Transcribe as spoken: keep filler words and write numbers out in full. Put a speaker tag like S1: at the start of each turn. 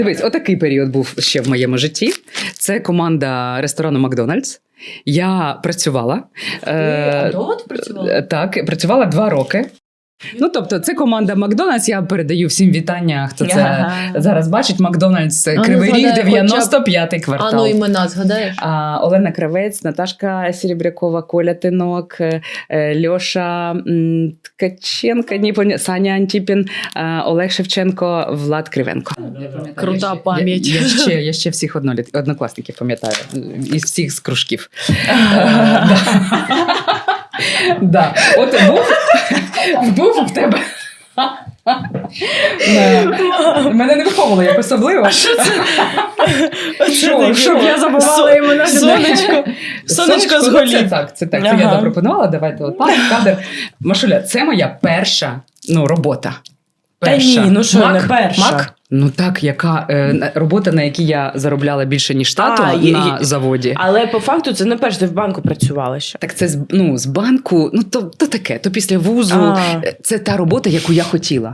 S1: Дивись, отакий період був ще в моєму житті. Це команда ресторану «Макдональдс». Я працювала.
S2: Ти а довго ти працювала?
S1: Так, працювала два роки. Ну, тобто, це команда «Макдональдс». Я передаю всім вітання, хто це
S2: Ага.
S1: зараз бачить. «Макдональдс»
S2: А ну,
S1: Кривий Ріг,
S2: згадай,
S1: дев'яносто п'ятий квартал.
S2: А ну імена згадаєш?
S1: А, Олена Кравець, Наташка Серебрякова, Коля Тинок, е, Льоша м, Ткаченко, ні, поня- Саня Антіпін, е, Олег Шевченко, Влад Кривенко.
S2: Крута
S1: Я ще-
S2: пам'ять.
S1: Я, я, ще, я ще всіх одноліт, однокласників пам'ятаю, із всіх з кружків. Да. От був, був в тебе. Мене не виховували як особливо.
S3: А що це?
S1: Що, що?
S3: Я забувала імена. Сонечко. Сонечко з
S1: Це
S3: голів.
S1: так, це так. Це
S3: Ага.
S1: я запропонувала. Давайте от пан кадр. Машуля, це моя перша ну, робота.
S3: Та
S1: Перша.
S3: ні, ну що,
S1: Мак?
S3: не перша.
S1: Мак? Ну так, яка е, на- робота, на якій я заробляла більше, ніж тато
S3: А, є-
S1: на
S3: є.
S1: заводі.
S3: Але по факту це не перш, ти в банку працювала ще.
S1: Так це з, ну, з банку, ну то, то таке, то після вузу.
S3: А.
S1: Це та робота, яку я хотіла.